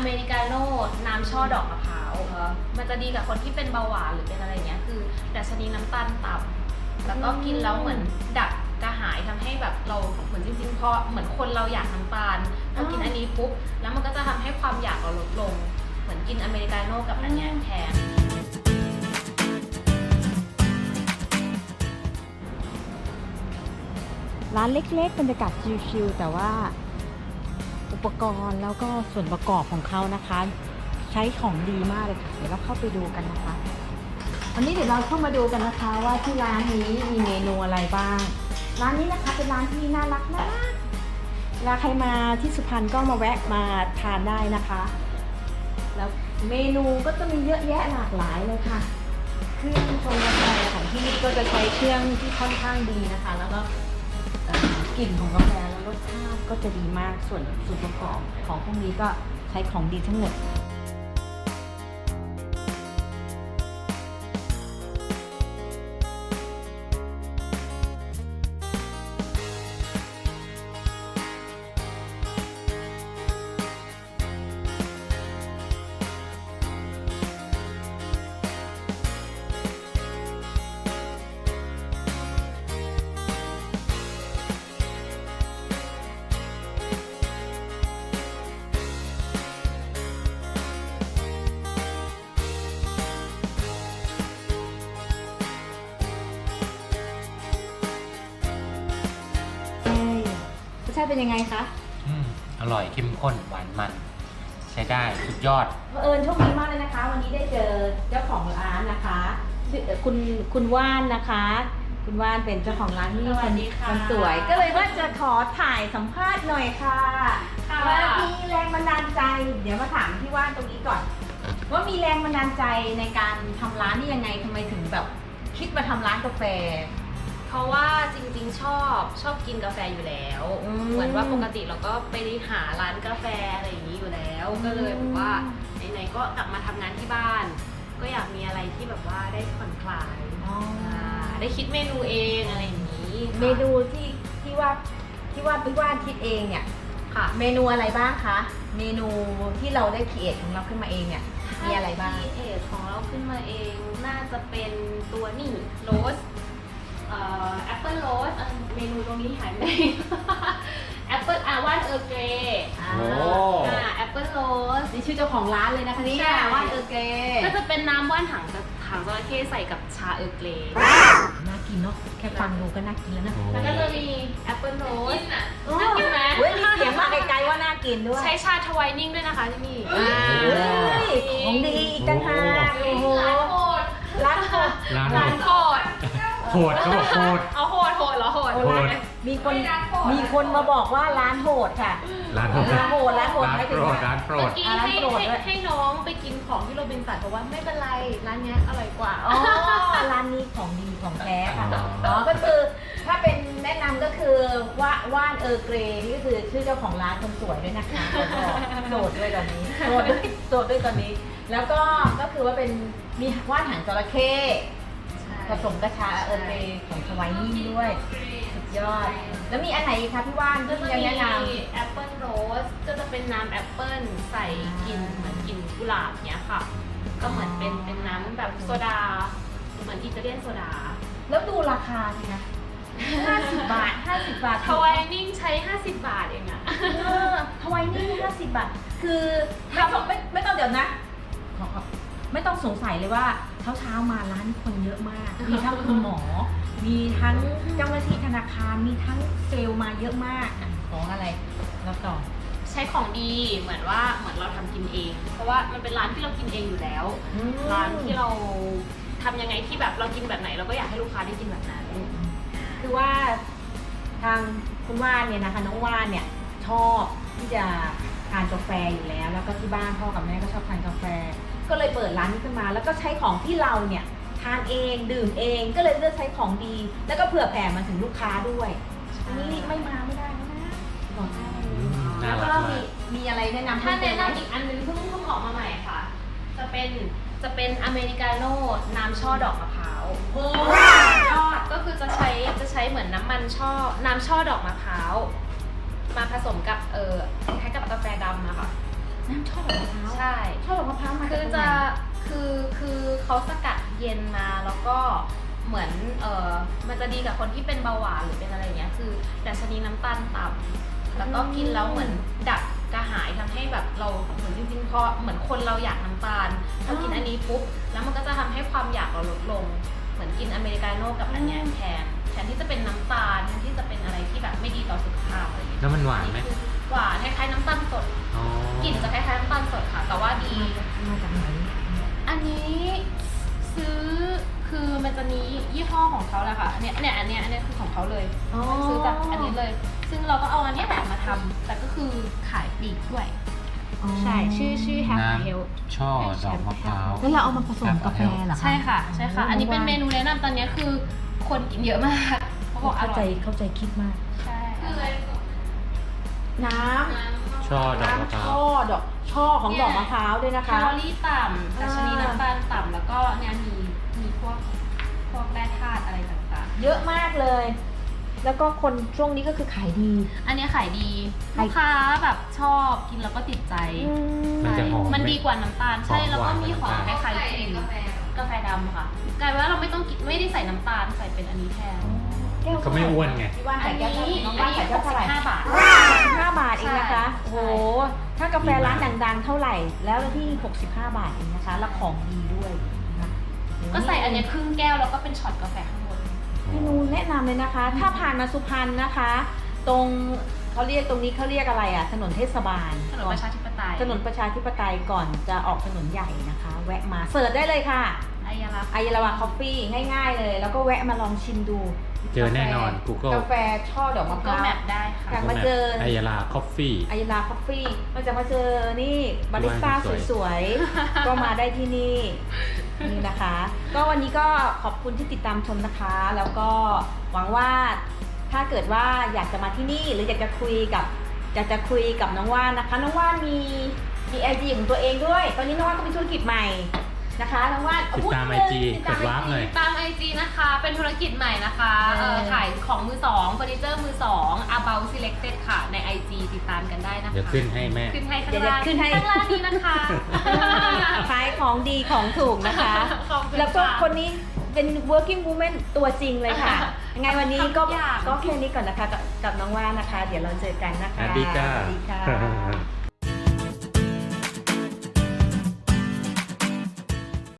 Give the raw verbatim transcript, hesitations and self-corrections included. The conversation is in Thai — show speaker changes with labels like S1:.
S1: เมริกาโน่น้ำช่อดอกมะพร้าวมันจะดีกับคนที่เป็นเบาหวานหรือเป็นอะไรเงี้ยคือดัชนีน้ำตาลต่ำแล้วก็กินแล้วเหมือนดับกระหายทำให้แบบเราเหมือนจริงๆพอเหมือนคนเราอยากน้ำตาลพอกินอันนี้ปุ๊บแล้วมันก็จะทำให้ความอยากเราลดลงเหมือนกินอเมริกาโน่กับอันเนี้ยแทน
S2: ร้านเล็กๆบรรยากาศชิลๆแต่ว่าอุปกรณ์แล้วก็ส่วนประกอบของเขานะคะใช้ของดีมากเลยค่ะเดี๋ยวเราเข้าไปดูกันนะคะวันนี้เดี๋ยวเราเข้ามาดูกันนะคะว่าที่ร้านนี้มีเมนูอะไรบ้างร้านนี้นะคะเป็นร้านที่น่ารักมากเวลาใครมาที่สุพรรณก็มาแวะมาทานได้นะคะแล้วเมนูก็จะมีเยอะแยะหลากหลายเลยค่ะเครื่องชงกาแฟของที่นี่ก็จะใช้เครื่องที่ค่อนข้างดีนะคะแล้วก็กลิ่นของกาแฟและรสชาติก็จะดีมากส่วนส่วนประกอบของพวกนี้ก็ใช้ของดีทั้งหมดรสชาติเป็นยังไงคะ
S3: อืมอร่อยเข้มข้นหวานมันใช้ได้สุดยอด
S2: เผอิญโชคดีมากเลยนะคะ วันนี้ได้เจอเจ้าของร้านนะคะชื่อคุณคุณว่านนะคะ คุณว่านเป็นเจ้าของร้านที่คนสวยก็เลยว่าจะขอถ่ายสัมภาษณ์หน่อยค่ะว่ามีแรงบันดาลใจ เดี๋ยวมาถามพี่ว่านตรงนี้ก่อน ว่ามีแรงบันดาลใจในการทำร้านนี่ยังไงทำไมถึงแบบคิดมาทำร้านกาแฟ
S1: เพราะว่าจริงๆชอบชอบกินกาแฟอยู่แล้วเหมือนว่าปกติเราก็ไปหาร้านกาแฟอะไรอย่างนี้อยู่แล้วก็เลยแบบว่าไหนๆก็กลับมาทำงานที่บ้านก็อยากมีอะไรที่แบบว่าได้ผ่อนคลายได้คิดเมนูเองอะไรอย่างนี้
S2: เมนูที่ที่ว่าที่ว่าพี่ว่านคิดเองเนี่ยค่ะเมนูอะไรบ้างคะเมนูที่เราได้คิดของเราขึ้นมาเองเนี่ยมีอะไรบ้าง
S1: คิดเองของเราขึ้นมาเองน่าจะเป็นตัวนี่โรสแอปเปิลโรสเมนูตรงนี้หายไปแอปเปิลอาว่านเออร์เกรย์แอปเปิลโรส
S2: นี่ชื่อเจ้าของร้านเลยนะคะนี่ว่านเออร์เกรย์
S1: ก็จะเป็นน้ำว่านหางหางจระเข้ใส่กับชาเออร์เกรย์
S2: น่ากินเนาะแค่ฟังดูก็น่ากินแล้วนะ
S1: แล้วก็จะมีแอปเปิลโรสน่ากินไหม
S2: เฮ้ยมีเสียงมาไกลๆว่าน่ากินด้วย
S1: ใช้ชาทวายนิ่งด้วยนะคะที่นี่
S2: ของดีอีกต่างหากโอ้โหร้านโหด
S1: ร้านโหด
S3: โหดเขาบอกโหด
S1: เอาโหดโหดเหรอโหด
S2: มีคนมีคนมาบอกว่าร้านโหดค่ะ
S3: ร้านโหด
S2: ร้านโหดร้านโหด
S3: ร้านโปรดร้านโปรด
S1: เมื่อกี้ให้ให้น้องไปกินของที่โรบินสันเพราะว่าไม่เป็นไรร้านนี้อร่อยกว่า
S2: อ๋อร้านนี้ของดีของแท้ค่ะอ๋อก็คือถ้าเป็นแนะนำก็คือว่าว่านเออร์เกรย์นี่ก็คือชื่อเจ้าของร้านคนสวยด้วยนะคะโสดด้วยตอนนี้โสดด้วยโสดด้วยตอนนี้แล้วก็ก็คือว่าเป็นมีว่านหางจระเข้ผสมกระชาเออร์เกรย์ของสวายนิ่งด้วยสุดยอดแล้วมีอันไหนคะพี่ว่านก็ยังแนะน
S1: ำแอปเปิลโรสก็จะเป็นน้ำแอปเปิลใส่กลิ่นเหมือนกลิ่นกุหลาบเนี้ยค่ะก็เหมือนเป็นเป็นน้ำแบบโซดาเหมือนอิตาเลียนโซดา
S2: แล้วดูราคาสินะห้าสิบบาทห้าสิบบาท
S1: ทวายนิ่งใช้ห้าสิบบาทเองอะ
S2: ทวายนิ่งห้าสิบบาทคือไม่ต้องไม่ไม่ต้องเดี๋ยวนะไม่ต้องสงสัยเลยว่าเช้าเช้ามาร้านคนเยอะมากมีทั้งคุณหมอมีทั้งเจ้าหน้าที่ธนาคารมีทั้งเซลล์มาเยอะมากของอะไรแล้วต่อ
S1: ใช้ของดีเหมือนว่าเหมือนเราทำกินเองเพราะว่ามันเป็นร้านที่เรากินเองอยู่แล้วร้านที่เราทำยังไงที่แบบเรากินแบบไหนเราก็อยากให้ลูกค้าได้กินแบบนั้น
S2: คือว่าทางคุณว่านเนี่ยนะคะน้องว่านเนี่ยชอบที่จะทานกาแฟอยู่แล้วแล้วก็ที่บ้านพ่อกับแม่ก็ชอบทานกาแฟก็เลยเปิดร้านนี้ขึ้นมาแล้วก็ใช้ของที่เราเนี่ยทานเองดื่มเองก็เลยเลือกใช้ของดีแล้วก็เผื่อแผ่มาถึงลูกค้าด้วยอันนี้ไม่มาไม่ได้นะบอกได้แล้วก็มีมีอะไรแนะนำ
S1: ถ้าแนะนำอีกอันนึงเพิ่งเพิ่งออกมาใหม่ค่ะจะเป็นจะเป็นอเมริกาโน่น้ำช่อดอกมะพร้าวยอดก็คือจะใช้จะใช้เหมือนน้ำมันช่อน้ำช่อดอกมะพร้าวมาผสมกับเออคล้ายกับกาแฟดำอะค่ะ
S2: น้ำช่อดดอกมะพร้าว
S1: ใช่
S2: ช่อดอกมะพร้าวมา
S1: คื
S2: จาก
S1: อ
S2: ตรงไห
S1: จะ
S2: น
S1: คือคือเขาสกัดเย็นมาแล้วก็เหมือนเออมันจะดีกับคนที่เป็นเบาหวานหรือเป็นอะไรเงี้ยคือดัชนีน้ำตาลต่ำแล้วก็กินแล้วเหมือนดับกระหายทำให้แบบเราเหมือนจริงๆพอเหมือนคนเราอยากน้ำตาลพอกินอันนี้ปุ๊บแล้วมันก็จะทำให้ความอยากเราลดลง เหมือนกินอเมริกาโน่กับอันเนี้ยแทนแทนที่จะเป็นน้ำตาลแทนที่จะเป็นอะไรที่แบบไม่ดีต่อสุขภาพอะไรอย่างเงี้ย
S3: แล้วมันหวานไหม
S1: คือหวานคล้ายๆน้ำตาลสด
S3: อ๋อก
S1: ลิ่นจะคล้ายๆน้ำตาลสดค่ะ แต่ว่าดี
S2: มาจากไหน
S1: อันนี้ซื้อคือมันจะมียี่ห้อของเขาแหละค่ะอันเนี้ยเนี่ยอันเนี้ยอันเนี้ยคือของเขาเลย
S2: อ๋อ
S1: ซื้อจากอันนี้เลย ซึ่งเราก็เอาอันเนี้ยแหละมาทำแต่ก็คือขายปลีกด้วย
S2: อ๋อ
S1: ใช่ชื่อชื่อ Have
S3: น้
S1: a Health
S3: ำช่อดอกมะพร้าว
S2: แล้วเราเอามาผสมกาแฟเหรอคะ
S1: ใช่ค่ะใช่ค่ะ อันนี้เป็นเมนูแนะนำตอนเนี้ยคือคนกินเยอะมากเขาบอกอ
S2: เข้า
S1: ร่
S2: ใจ
S1: อย
S2: เข้าใจคิดมาก
S1: ใช่คือ
S2: น้
S3: ช่อ
S2: ำ
S3: ดอกมะ
S2: น้ำ
S3: พร้า
S2: ช่อ
S3: ว
S2: ดอกช่อของดอกมะพร้าวด้วยนะ
S1: แค
S2: คะ
S1: ลอรี่ต่ำดัชนีน้ำตาลต่ำแล้วก็เนี่ยมีมีพวกพวกแร่ธาตุอะไรต่างๆ
S2: เยอะมากเลย แล้วก็คนช่วงนี้ก็คือขายดี
S1: อันเนี้ยขายดี
S2: ขาย
S1: ลูกค้าแบบชอบกินแล้วก็ติดใจ
S3: มันจะหอมไหม
S1: มันดีกว่าน้ำตาลใช่
S3: หอม
S1: แล้วก็มีหอม
S3: ก
S1: ค
S3: ว่า
S1: ล้ายๆกลิ่นกาแฟดำค่ะกลายเป็นว่าเราไม่ต้องกินไม่ได้ใส่น้ำตาลใส่เป็นอันนี้แทน
S2: แก้ว
S3: ก็ไม่อ้วนไง
S2: พี่ว่าน
S1: อั
S2: ใส่
S1: น
S2: แก้ว
S1: นี้
S2: เท่าไหร่น้อง
S1: อั
S2: ว่าน น
S1: นี้
S2: ใส่
S1: ห
S2: แก้ว
S1: ก
S2: เท่า
S1: สิ
S2: ไหร่
S1: บห้าบาท
S2: ห้าบาทเองนะคะ
S1: ใช่
S2: โอ้โห ถ้ากาแฟร้านดังๆ เท่าไหร่ แล้วที่หกสิบห้าบาทเองนะคะ แล้วของดีด้วยนะคะ
S1: ก็ใส่อันเนี้ยครึ่งแก้วแล้วก็เป็นช็อตกาแฟข้างบน
S2: เมนูแนะนำเลยนะคะ ถ้าผ่านมาสุพรรณนะคะ ตรงเขาเรียกตรงนี้เขาเรียกอะไรอ่ะ ถนนเทศบาล
S1: ถนนประชาธิปไตย
S2: ถนนประชาธิปไตยก่อนจะออกถนนใหญ่นะคะ แวะมาเสิร์ชได้เลยค่ะ
S1: อายาลา
S2: ไอรา วาคอฟฟี่ง่ายๆเลย แล้วก็แวะมาลองชิมดู
S3: เจอแน่นอน Google
S2: กาแฟช่อดอกมะพ
S1: ก็
S2: ร้าว
S1: แมปได้ค่ะ
S2: อยากมาเจอ
S3: ไอยาลาคอฟฟี่
S2: ไอราคอฟฟี่มันจะมาเจอนี่บาริสต้า
S3: สวยๆ
S2: สวยๆ ก็มาได้ที่นี่นี่นะคะ ก็วันนี้ก็ขอบคุณที่ติดตามชมนะคะ แล้วก็หวังว่าถ้าเกิดว่าอยากจะมาที่นี่หรืออยากจะคุยกับอยากจะคุยกับน้องว่านนะคะ น้องว่านมีมีไอจีของตัวเองด้วย ตอนนี้น้องว่านก็มีธุรกิจใหม่นะคะน้องว่าน
S3: ติดตาม
S2: พู
S3: ไอ
S2: นิด
S3: จี
S2: นึงติด
S3: เปิ
S2: ตาม
S3: ดวาร์ปหน่อย
S1: ตามไอจีนะคะ เป็นธุรกิจใหม่นะคะ
S2: เออ
S1: เอ่อขายของมือสองเฟอร์นิเจอร์มือสอง about selected ค่ะ ใน ไอ จี ติดตามกันได้นะคะ
S3: เดี๋ยวขึ้นให้แม่
S1: ขึ้นให้ข้าง
S2: เดี๋ยว
S1: ล่าง
S2: ขึ้นให้
S1: ข้างล่างนี้นะคะ
S2: ขายของดีของถูกนะคะ
S1: ขอบคุณ
S2: แล้วก็
S1: ค่ะ
S2: คนนี้เป็น working woman ตัวจริงเลยค่ะ ยังไงวันนี้ก็
S1: ทำทุกอย่าง
S2: ก็แค่นี้ก่อนนะคะกับกับน้องว่านนะคะ เดี๋ยวเราเจอกันนะคะ
S3: สวัสดีจ้า
S2: สวัสดีค่ะ